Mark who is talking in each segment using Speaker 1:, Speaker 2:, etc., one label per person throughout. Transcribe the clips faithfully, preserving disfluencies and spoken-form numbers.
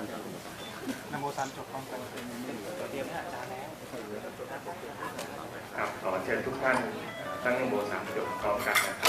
Speaker 1: นโมตันจบพร้อมกันเป็นเตรียมเนี่ยอาจารย์แล้ว
Speaker 2: ครับขอเชิญทุกท่านตั้งนโมสามจบพร้อมกันนะครับ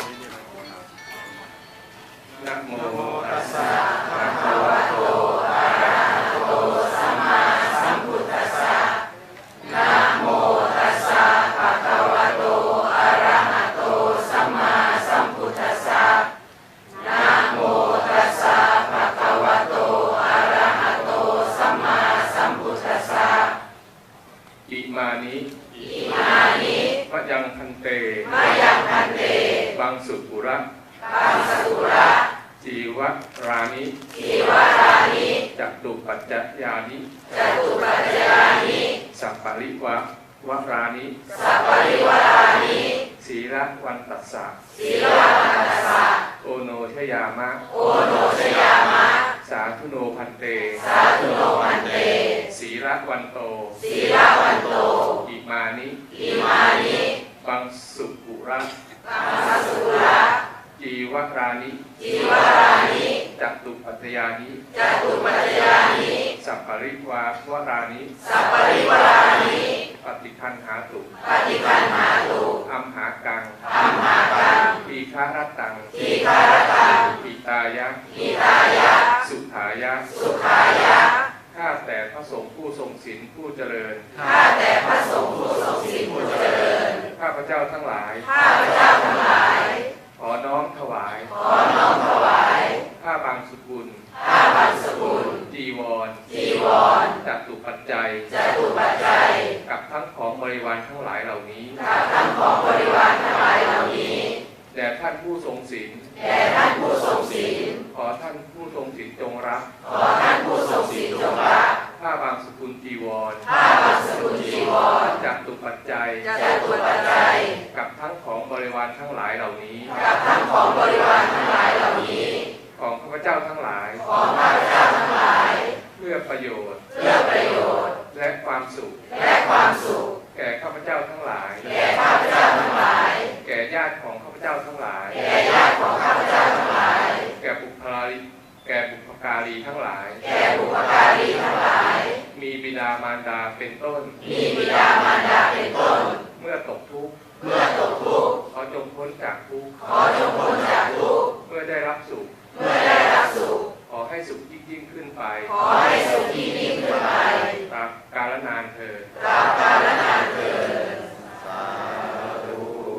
Speaker 2: นะโมตัสสะภะคะวะโตอะระหะโตสัมมาสัมพุทธัสสะนะโมตัสสะภะคะวะโตอะระหะโตสัมมาสัมพุทธัสสะนะโมตัสสะภะคะวะโตอะระหะโตสัมมาสัมพุทธัสสะอิมานิอิมานิมะยังพันเตมะยังพันเตบังสุกุระบังสุกุระจีวรานิจีวรานิจัตุปัจจยานิจัตุปัจจยานิสัพปริวะวรานิสัพปริวรานิศีลวันตัสสะศีลวันตัสสะโอโนชยามะโอโนชยามะสาธุโนพันเตสาธุโนพันเตศีลวันโตศีลวันโตอิมานิอิมานิบังสุกุระบังสุกุระจีวรานิจีวรานิจัตุปัจจยานิจัตุปัจจยานิสัพปริวาวรานิสัพปริวรานิปฏิคันหาตุปฏิคันหาตุอัมหากังอัมหากังปีฆารตังปีฆารตังปิตายะปิตายะสุขายะสุขายะข้าแต่พระสงฆ์ผู้ทรงศีลผู้เจริญข้าแต่พระสงฆ์ผู้ทรงศีลผู้เจริญข้าพระเจ้าทั้งหลายข้าพระเจ้าทั้งหลายขอน้อมถวายขอน้อมถวายข้าบางสกุลข้าบางสกุลจีวรจีวรจัตุปัจจัยจัตุปัจจัยกับทั้งของบริวารทั้งหลายเหล่านี้กับทั้งของบริวารทั้งหลายเหล่านี้แด่ท่านผู้ทรงศีลแด่ท่านผู้ทรงศีลขอท่านผู้ทรงศีลจงรับขอท่านผู้ทรงศีลจงรับข้าบางสกุลจีวรข้าบางสกุลจีวรจัตุปัจจัยจัตุปัจจัยกับทั้งของบริวารทั้งหลายเหล่านี้กับทั้งของบริวารทั้งหลายเหล่านี้ของข้าพเจ้าทั้งหลายของข้าพเจ้าทั้งหลายเพื่อประโยชน์เพื่อประโยชน์และความสุขและความสุขแก่ข้าพเจ้าทั้งหลายแก่ข้าพเจ้าทั้งหลายแก่ญาติของข้าพเจ้าทั้งหลายแก่ญาติของข้าพเจ้าทั้งหลายแก่บุพการีแก่บุพการีทั้งหลายแก่บุพการีทั้งหลายมีบิดามารดาเป็นต้นมีบิดามารดาเป็นต้นเมื่อตกทุกข์เมื่อตกทุกข์ขอจงพ้นจากทุกข์ขอจงพ้นจากทุกข์เมื่อได้รับสุขเมื่อได้รับสุขขอให้สุขยิ่งยิ่งขึ้นไปขอให้สุขยิ่งยิ่งขึ้นไปตราบกาลนานเถิดตราบกาลนานเถิดสาธุ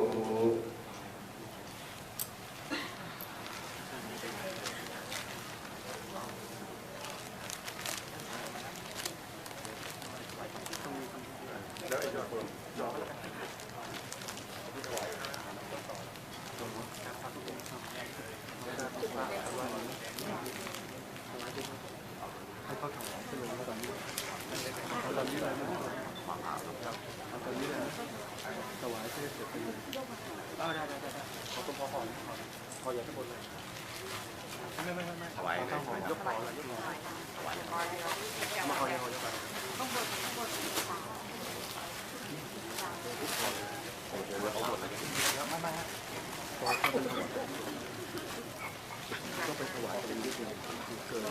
Speaker 1: ให้เขาถวายขึ้นเลยตอนนี้ตอนนี้เลยนะตอนนี้เลยถวายเพื่อเสร็จไปเลยได้ได้ได้ได้ขอคุณพ่อขอขออย่าทั้งหมดเลยไม่ไม่ไม่ไม่ถวายข้าวหอมยกขอเลยยกขอถวายมาขอยังขอยกไปต้องบดบดโอ้โหเอาหมดเลยไม่ไม่ขอต้องไปถวายเป็นนิดเดียวเกิน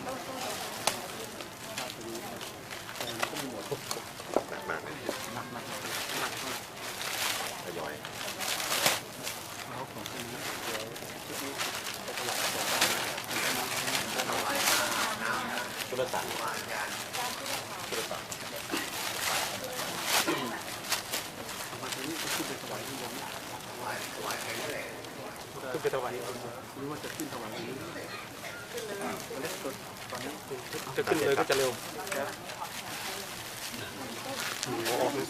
Speaker 1: หนักมากเลยหนักมากหนักมากทยอยเขาของที่นี้เดี๋ยวชุดนี้ไปถวายก่อนถวายน้ำจุลศักดิ์จุลศักดิ์มาทีนี้ก็ขึ้นไปถวายที่ยังถวายถวายใครนั่นแหละขึ้นไปถวายหรือว่าจะขึ้นถวายนี้ตอนนี้ตอนนี้จะขึ้นเลยก็จะเร็ว